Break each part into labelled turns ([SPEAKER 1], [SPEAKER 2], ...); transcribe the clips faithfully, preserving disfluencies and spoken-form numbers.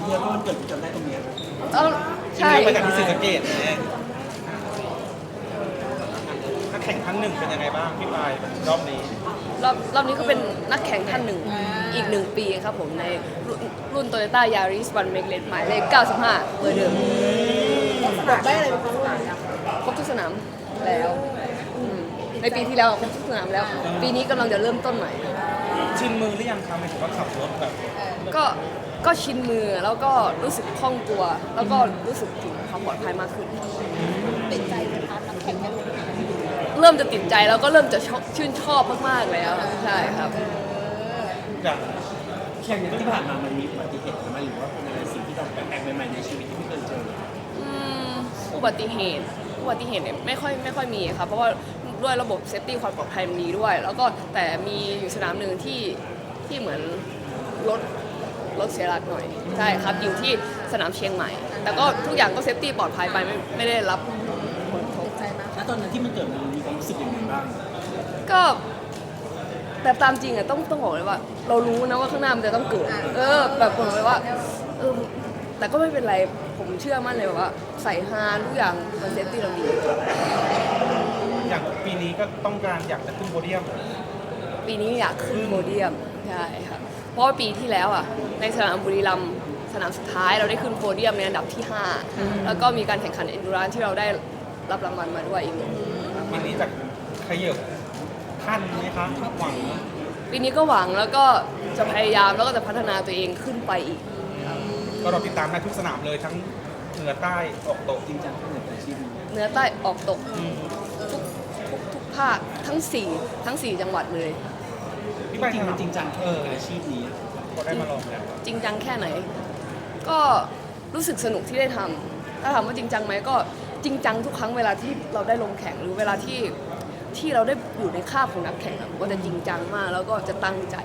[SPEAKER 1] ที่แล้วก็วันเกิดจำได้ตรงเนี้ย
[SPEAKER 2] เออใช่
[SPEAKER 3] ไปจากที่ศรีสะเกษเองนักแข่งครั้งหนึ่งเป็นยังไงบ้างพี่ปายรอบนี้
[SPEAKER 2] รอบรอบนี้ก็เป็นนักแข่งท่านหนึ่งอีกหนึ่งปีครับผมในรุ่นรุ่น Toyota Yaris One Make Red หมายเลขเก้าสิบห้าเบอร์เดิม
[SPEAKER 4] สนามได้อะไรบ้างคะ
[SPEAKER 2] ครบทุกสนามแล้วอืมในปีที่แล้วครบทุกสนามแล้ว ปีนี้กำลังจะเริ่มต้นใหม่
[SPEAKER 3] ชินมือหรือยังคะหมายถึงว่าขับรถแบบ
[SPEAKER 2] ก็ก็ชินมือแล้วก็รู้สึกคล่องตัว แล้วก็รู้สึกถึงความปลอดภัยมากขึ้น
[SPEAKER 4] ติดใจไหมคะนักแข่งกัน
[SPEAKER 2] เริ่มจะติดใจแล้วก็เริ่มจะชอบชื่นชอบมากๆแล้วใช่ครับ
[SPEAKER 3] อย่าง
[SPEAKER 1] แข่งที่ผ่านมามันมีอุบัติเหตุไหมหรือว่าเป็นอะไรสิ่งที่เราแปลกๆใหม่ๆในชีวิตที่ไม่เคยเจอ
[SPEAKER 2] อืมอุบัติเหตุอุบัติเหตุเนี่ยไม่ค่อยไม่ค่อยมีครับเพราะว่าด้วยระบบเซฟตี้ความปลอดภัยมันดีด้วย แล้วก็แต่มีอยู่สนามหนึ่งที่ที่เหมือนรถรถเสียหลักหน่อยใช่ครับอยู่ที่สนามเชียงใหม่ แต่ก็ทุกอย่างก็เซฟตี้ปลอดภัยไปไม่ไม่ได้รับผลกระทบ
[SPEAKER 4] ติดใจไหม
[SPEAKER 1] แล้วตอนนั้นที่มันเกิดมันมีความรู้สึกยังไงบ้าง
[SPEAKER 2] ก็แบบตามจริงอะต้องต้องบอกเลยว่า เรารู้นะว่าข้างหน้ามันจะต้องเกิด เออแบบผมเลยว่าเออแต่ก็ไม่เป็นไรผมเชื่อมั่นเลยว่าใส่ฮาทุกอย่างมันเซฟตี้เราดี
[SPEAKER 3] อย่างปีนี้ก็ต้องการอยากจะขึ้นโพเดียม
[SPEAKER 2] ปีนี้อยากขึ้นโพเดียมใช่ครับเพราะว่าปีที่แล้วอ่ะในสนามบุรีรัมย์สนามสุดท้ายเราได้ขึ้นโพเดียมในอันดับที่ห้าแล้วก็มีการแข่งขันเอนดูรานที่เราได้รับรางวัลมาด้วยอีกหนึ่ง
[SPEAKER 3] ปีนี้จะขยับขั้นไหมคะหวัง
[SPEAKER 2] ปีนี้ก็หวังแล้วก็จะพยายามแล้วก็จะพัฒนาตัวเองขึ้นไปอีก
[SPEAKER 3] ก็เราติดตามได้ทุกสนามเลยทั้งเหนือใต้ออกตก
[SPEAKER 1] จริงจังที่เหนืออาชีพนี้
[SPEAKER 2] เหนือใต้ออกตกทุกทุกทุกภาคทั้งสี่ทั้งสี่จังหวัดเลย
[SPEAKER 3] พี่
[SPEAKER 1] จ
[SPEAKER 3] ปาย
[SPEAKER 1] ริงๆมันจริงจัง
[SPEAKER 3] เอ
[SPEAKER 1] แค่
[SPEAKER 3] อ
[SPEAKER 1] อาชีพนี้
[SPEAKER 3] ก็ได้มาลองแล้ว
[SPEAKER 2] จริงจังแค่ไหน ก็รู้สึกสนุกที่ได้ทำถ้าถามว่าจริงจังไหมก็จริงจังทุกครั้งเวลาที่เราได้ลงแข่งหรือเวลาที่ที่เราได้อยู่ในคาบของนักแข่งอะก็จะจริงจังมากแล้วก็จะตั้งใจ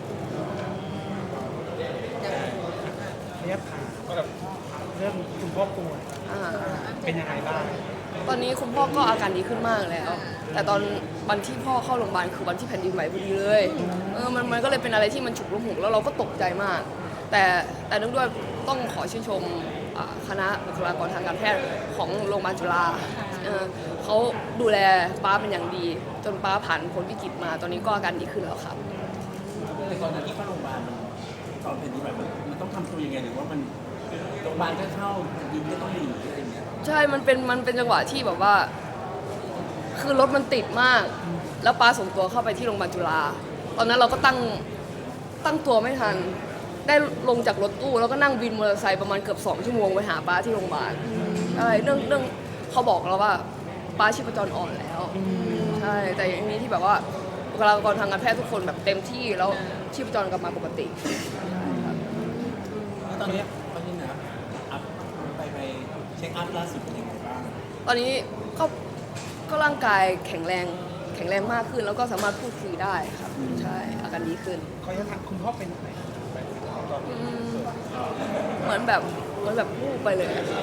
[SPEAKER 3] ระยะทางก็แบบเรื่องคุณพ่อป่วย
[SPEAKER 2] อ่า
[SPEAKER 3] เป็นยังไงบ้าง
[SPEAKER 2] ตอนนี้คุณพ่อก็อาการดีขึ้นมากแล้ว แต่ตอนวันที่พ่อเข้าโรงพยาบาลคือวันที่แผ่นดินไหวพอดีเลยเออมันมันก็เลยเป็นอะไรที่มันฉุกละหุกแล้วเราก็ตกใจมาก แต่แต่เนื่องด้วยต้องขอชื่นชมอ่าคณะบุคลากรทางการแพทย์ของโรงพยาบาลจุฬาเออเขาดูแลป้าเป็นอย่างดี จนป้าผ่านพ้นวิกฤตมา ตอนนี้ก็อาการดีขึ้นแล้วครับ
[SPEAKER 1] ในตอนนั้นที่เข้าโรงพยาบาลมันตอนเป็นนี้แบบมันต้องทำตัวยังไงหรือว่ามันโรงพยาบาลก็เข้ายินก็ต้องหนีอะไรอย่างเงี้ย
[SPEAKER 2] ใช่ มันเป็น มันเป็นจังหวะที่แบบว่า คือรถมันติดมาก แล้วป้าส่งตัวเข้าไปที่โรงพยาบาลจุฬา ตอนนั้นเราก็ตั้ง ตั้งตัวไม่ทัน ได้ลงจากรถตู้แล้วก็นั่งวินมอเตอร์ไซค์ประมาณเกือบสองชั่วโมงไปหาป้าที่โรงพยาบาลอะไรเรื่องเรื่องเขาบอกเราว่าป้าชีพจรอ่อนแล้ว ใช่ แต่อย่างนี้ที่แบบว่าบุคลากรทางการแพทย์ทุกคนแบบเต็มที่แล้วชีพจรกลับมาปกติ
[SPEAKER 1] แล้วตอนเนี้ยตอนนี้นะอัพไปไปเช็คอัพล่าสุดเป็นยังไงบ้าง
[SPEAKER 2] ตอนนี้ก็ก็ร่างกายแข็งแรงแข็งแรงมากขึ้น แล้วก็สามารถพูดคุยได้ครับใช่อาการดีขึ้น
[SPEAKER 3] ขออนุญาตถามคุณพ่อเป็นไหนไปตอนนี้
[SPEAKER 2] เหมือนแบบเหมือนแบบพูดไปเลยครับ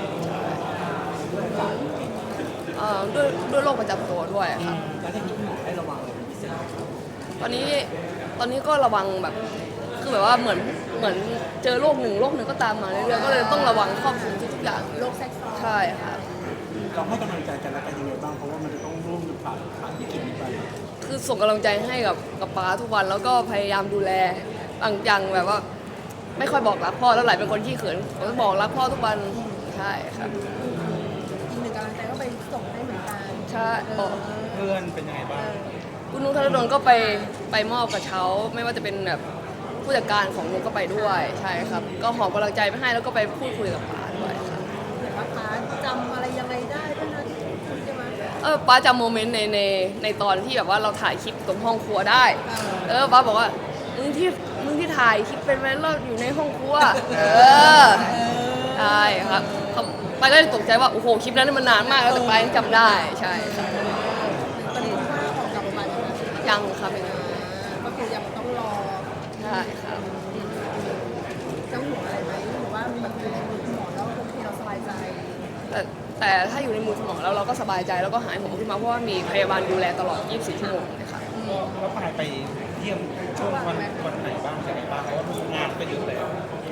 [SPEAKER 2] เอ่อด้วยด้วยโรคประจำตัวด้วยครับ
[SPEAKER 1] แล้วที่คุณหมอให้ระวังอะไรเป็นพิเศษ
[SPEAKER 2] ตอนนี้ตอนนี้ก็ระวังแบบคือแบบว่าเหมือนเหมือนเจอโรคหนึ่งโรคหนึ่งก็ตามมาเรื่อยๆก็เลยต้องระวังครอบคลุมทุกๆอย่าง
[SPEAKER 4] โรคแทรกซ้อน
[SPEAKER 2] ใช่ครับ
[SPEAKER 1] เราให้กำลังใจกันและกันยังไงบ้างเพราะว่ามันจะต้องร่วมผ่านผ่านวิกฤตนี้ไป
[SPEAKER 2] คือส่งกำลังใจให้กับกับป้าทุกวันแล้วก็พยายามดูแลบางอย่างแบบว่า ไม่ค่อยบอกรักพ่อแล้วหลายเป็นคนขี้เขินผมจะบอกรักพ่อทุกวันใช่ครับ
[SPEAKER 4] อีกหนึ่งกำลังใจก็ไปส่งให้เหมือนกัน
[SPEAKER 2] ใช่บอก
[SPEAKER 3] เพื่อนเป็นยังไงบ้าง
[SPEAKER 2] คุณนุ้งธนดลก็ไปไปมอบกระเช้า ไม่ว่าจะเป็นแบบผู้จัดการของนุ้งก็ไปด้วยใช่ครับ ก็หอบกำลังใจไปให้แล้วก็ไปพูดคุยกับป้าด้วยครับ
[SPEAKER 4] เห็นว่าป้าจำอะไรยังไงได้ด้วยนะที่คุยใช่ไหม
[SPEAKER 2] เออป้าจำโมเมนต์ในในในตอนที่แบบว่าเราถ่ายคลิปตรงห้องครัวได้ เออป้าบอกว่ามึงที่มึงที่ถ่ายคลิปเป็นไหมเราอยู่ในห้องครัวเออใช่ครับเขาป้าก็เลยตกใจว่าโอ้โหคลิปนั้นมันนานมากแล้วแต่ป้ายังจำได้ใช่ครับ
[SPEAKER 4] ตอนนี้คุณป้าออกกลับโรงพยาบาลแล้วนะ
[SPEAKER 2] ยังครับยัง
[SPEAKER 4] ก็คือยังต้องรอ
[SPEAKER 2] ใช่ครับ
[SPEAKER 4] จะห่วงอะไรไหมหรือว่ามันอยู่ในมือคุณหมอแล้วโอเคเราสบายใจ
[SPEAKER 2] แต่แต่ถ้าอยู่ในมือคุณหมอแล้วเราก็สบายใจแล้วก็หายห่วงขึ้นมาเพราะว่ามีพยาบาลดูแลตลอด ยี่สิบสี่ ชั่วโมงเลยค่ะ
[SPEAKER 3] แล้วปายไปเยี่ยมช่วงวันวันไหนบ้างยังไงบ้างเพราะว่าทุกงานก็เยอะแล้ว
[SPEAKER 2] ก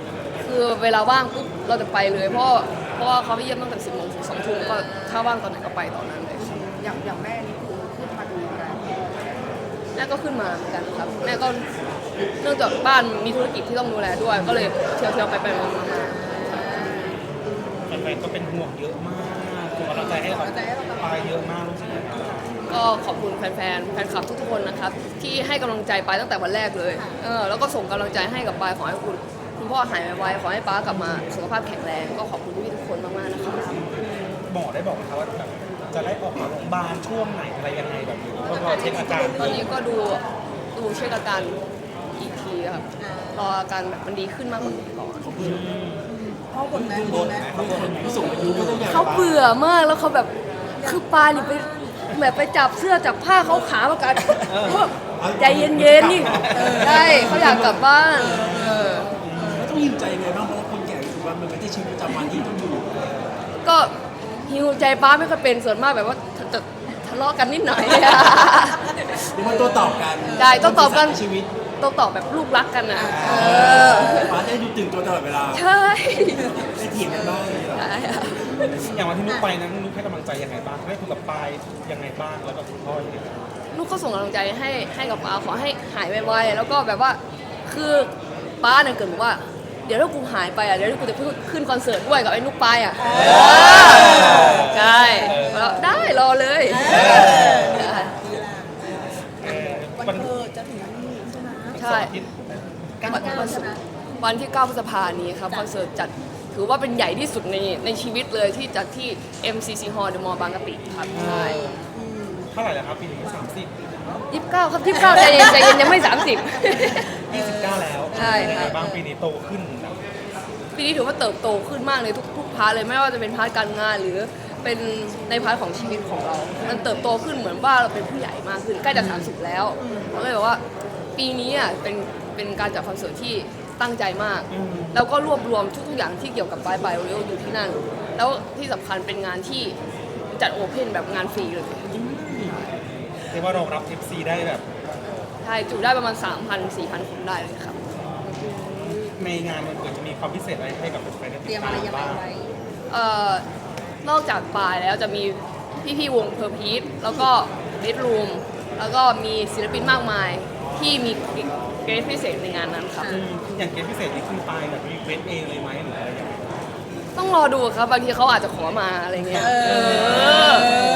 [SPEAKER 2] คือเวลาว่างปุ๊บเราจะไปเลยเพราะเพราะว่าเขาไปเยี่ยมตั้งแต่สิบโมงถึงสองทุ่มก็ถ้าว่างตอนไหนก็ไปตอนนั้นเลยครับ
[SPEAKER 4] อย่างอย่างแม่นี่คือขึ้นมาดูแล
[SPEAKER 2] แม่ก็ขึ้นมาเหมือนกันครับแม่ก็เนื่องจากบ้านมีธุรกิจที่ต้องดูแลด้วย ก็เลยเที่ยวเที่ยวๆไปไปมาๆมา
[SPEAKER 3] แฟนๆก็เป็นห่วงเยอะมากส่งกำลังใจให้เราไปเยอะมากรู้สึกยังไงบ้าง
[SPEAKER 2] ก็ขอบคุณแฟนๆแฟนคลับทุกๆคนนะครับที่ให้กำลังใจไปตั้งแต่วันแรกเลยเออแล้วก็ส่งกำลังใจให้กับปายขอให้คุณคุณพ่อหายไวๆขอให้ป้ากลับมาสุขภาพแข็งแรงก็ขอบคุณพี่ๆทุกคนมากๆนะครับ
[SPEAKER 3] หมอได้บอกไหมคะว่าแบบจะได้ออกมาโรงพยาบาลช่วงไหนอะไรยังไงแบบนี้ก็รอเช็คอาการ
[SPEAKER 2] ตอนนี้ก็ดูดูเช็คอาการอีกทีครับรออาการแบบมันดีขึ้นมากกว่านี้ก่อน
[SPEAKER 4] พ่อบนแม่บนแม่
[SPEAKER 1] ผู้สูงอายุก็ต้องอยาก
[SPEAKER 2] เขาเบื่อมากแล้วเขาแบบคือปลานี่ไปแบบไปจับเสื้อจับผ้าเขาขาประกันใจเย็นๆนี่ใช่เขาอยากกลับบ้านเออ
[SPEAKER 1] แล้วต้องยิ้มใจยังไงบ้างเพราะว่าคนแก่รู้สึกว่ามันไม่ได้ชีวิตประจำวันที่ต้องอยู่
[SPEAKER 2] ก็หิวใจป้าไม่ค่อยเป็นส่วนมากแบบว่าจะทะเลาะกันนิดหน่อย
[SPEAKER 1] หรือว่าตัวตอบกัน
[SPEAKER 2] ใช่ต้องตอบกัน
[SPEAKER 1] ชีวิต
[SPEAKER 2] ต้องตอบแบบลูกรักกันนะเออ
[SPEAKER 1] ป้าจะได้ดูตื่นตัวตลอดเวลา
[SPEAKER 2] ใช่
[SPEAKER 1] ได้เถียงกันบ้างเลยเหรอ
[SPEAKER 2] ใช่อะ
[SPEAKER 3] อย่างวันที่นุ๊กไปนั้นนุ๊กให้กำลังใจยังไงบ้างได้คุยกับปายยังไงบ้างแล้วก็คุณพ่อยังไงบ้าง
[SPEAKER 2] ลูกก็ส่งกำลังใจให้ให้กับป้าขอให้หายไวๆแล้วก็แบบว่าคือป้าเนี่ยเกิดบอกว่า เดี๋ยวถ้ากูหายไปอ่ะเดี๋ยวกูจะขึ้นคอนเสิร์ตด้วยกับไอ้นุกปายอ่ะใช่แล้วได้รอเลยได้
[SPEAKER 3] เอ่อ
[SPEAKER 4] วัน
[SPEAKER 3] วัน
[SPEAKER 4] เกิดจะถึงนี่ใช่ไหม
[SPEAKER 2] ใช่
[SPEAKER 3] ที่เก้า
[SPEAKER 2] วัน
[SPEAKER 4] เก้าใช่ไหม
[SPEAKER 2] วันที่เก้าพฤษภานี้ครับคอนเสิร์ตจัดถือว่าเป็นใหญ่ที่สุดในในชีวิตเลยที่จัดที่ เอ็ม ซี ซี Hall เดอะมอลล์บางกะปิครับใช่
[SPEAKER 3] เท่าไหร่แล้วครับปีนี้สามสิบ
[SPEAKER 2] ยี่สิบเก้าครับยี่สิบเก้าใจเย็นใจเย็นยังไม่สามสิบ
[SPEAKER 3] ยี่สิบเก้าแล้ว
[SPEAKER 2] ใช่
[SPEAKER 3] ยัง
[SPEAKER 2] ครั
[SPEAKER 3] ไง
[SPEAKER 2] บ
[SPEAKER 3] บ้างปีนี้โตขึ้นแบบ
[SPEAKER 2] ปีนี้ถือว่าเติบโตขึ้นมากเลยทุกทุกพาร์ทเลยไม่ว่าจะเป็นพาร์ทการงานหรือเป็นในพาร์ทของชีวิตของเรา มันเติบโตขึ้นเหมือนว่าเราเป็นผู้ใหญ่มากขึ้นใกล้จะสามสิบแล้วเราเลยบอกว่าปีนี้อ่ะเป็นเป็นการจัดคอนเสิร์ตที่ตั้งใจมาก แล้วก็รวบรวมทุกๆอย่างที่เกี่ยวกับไบไบโอเรลอยู่ที่นั่น แล้วที่สำคัญเป็นงานที่จัดโอเพนแบบงานฟรีเลย
[SPEAKER 3] เรียกว่ารองรับ เอฟ ซี ได้แบบ
[SPEAKER 2] ใช่จุได้ประมาณ สามพัน สี่พัน คนได้เลยครับ
[SPEAKER 3] ในงานมันเกิดจะมีความพิเศษอะไรให้กับแฟนๆได้
[SPEAKER 4] เต
[SPEAKER 3] ติ
[SPEAKER 4] รี
[SPEAKER 3] ด
[SPEAKER 4] ยม
[SPEAKER 3] ตา
[SPEAKER 4] อะไร
[SPEAKER 3] ม
[SPEAKER 4] ยังไง
[SPEAKER 3] บ้าง
[SPEAKER 4] ไว้
[SPEAKER 2] เอ่อนอกจากปลายแล้วจะมีพี่ๆวงเพอร์พีทแล้วก็เบดรูมแล้วก็มีศิลปินมากมายที่มีเกรดพิเศษในงานนั้นครับ
[SPEAKER 3] อืมอย่างเกมพิเศษนี่คือปายแบบรีเควสเองเลยไหมหรืออะไรอย่างเงี้ย
[SPEAKER 2] ต้องรอดูครับบางทีเขาอาจจะขอมาอะไรเงี้ยเออ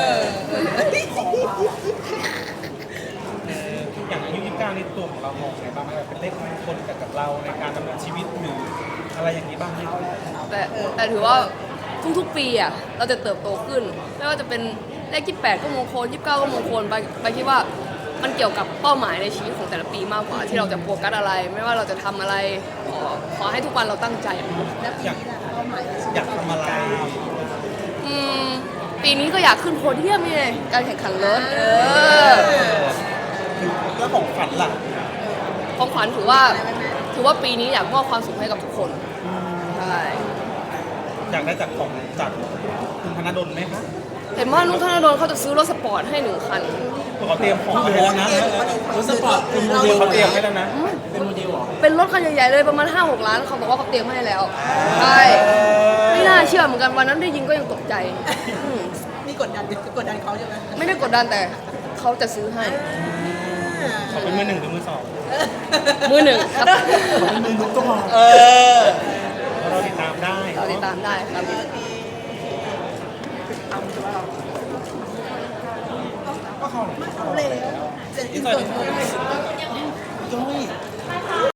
[SPEAKER 3] เอ่ออย่างอายุยี่สิบเก้านี่ตัวของเรามองไงบ้างไหมแบบเป็นเลขมงคลกับกับเราในการดำเนินชีวิตหรืออะไรอย่างนี้บ้างไหม
[SPEAKER 2] แต่แต่ถือว่าทุกๆปีอ่ะเราจะเติบโตขึ้น ไม่ว่าจะเป็นเลขยี่สิบแปดก็มงคลยี่สิบเก้าก็มงคลไปไปคิดว่ามันเกี่ยวกับเป้าหมายในชีวิตของแต่ละปีมากกว่าที่เราจะโฟกัสอะไร ไม่ว่าเราจะทำอะไรขอขอให้ทุกวันเราตั้งใจ
[SPEAKER 4] แล้วปีนี้ล่ะเป้าหมายในชีวิต
[SPEAKER 3] อยากทำอะไร
[SPEAKER 2] อืมปีนี้ก็อยากขึ้นโพเดียมนี่ไงการแข่งขันรถเออ
[SPEAKER 3] แล้วของฝันล่ะ
[SPEAKER 2] ของขวัญถือว่าถือว่าปีนี้อยากมอบความสุขให้กับทุกคนใช่
[SPEAKER 3] อยากได้จากของจากคุณธนดลไหมคะ
[SPEAKER 2] เห็นว่านุ๊กธนดลเขาจะซื้อรถสปอร์ตให้หนึ่งคัน
[SPEAKER 3] ตัวเขาเตรียมของไว้แล้วนะ
[SPEAKER 1] รถสปอร์ตเป็นโมเดล
[SPEAKER 3] เขาเตรียมไว้แล้วนะ
[SPEAKER 1] เป็นโมเดลเหรอ
[SPEAKER 2] เป็นรถคันใหญ่ๆเลยประมาณ ห้าหก ล้านเขาบอกว่าเขาเตรียมให้แล้วใช่ไม่น่าเชื่อเหมือนกันวันนั้นได้ยินก็ยังตกใจอืม
[SPEAKER 4] นี่กดดันกดดันเขาใช่ไหม
[SPEAKER 2] ไม่ได้กดดันแต่เขาจะซื้อให้
[SPEAKER 3] เขาเป็นมือหนึ่งหรือมือสอง
[SPEAKER 2] มือหนึ่งครับ
[SPEAKER 1] เป็นมือนุ๊กก็พอ
[SPEAKER 3] เออเราติดตามได้
[SPEAKER 2] เราติดตามได้ครับ
[SPEAKER 3] ก็เขา
[SPEAKER 4] เอาเลยเสร็จอินเตอร์เลย
[SPEAKER 1] ย้อย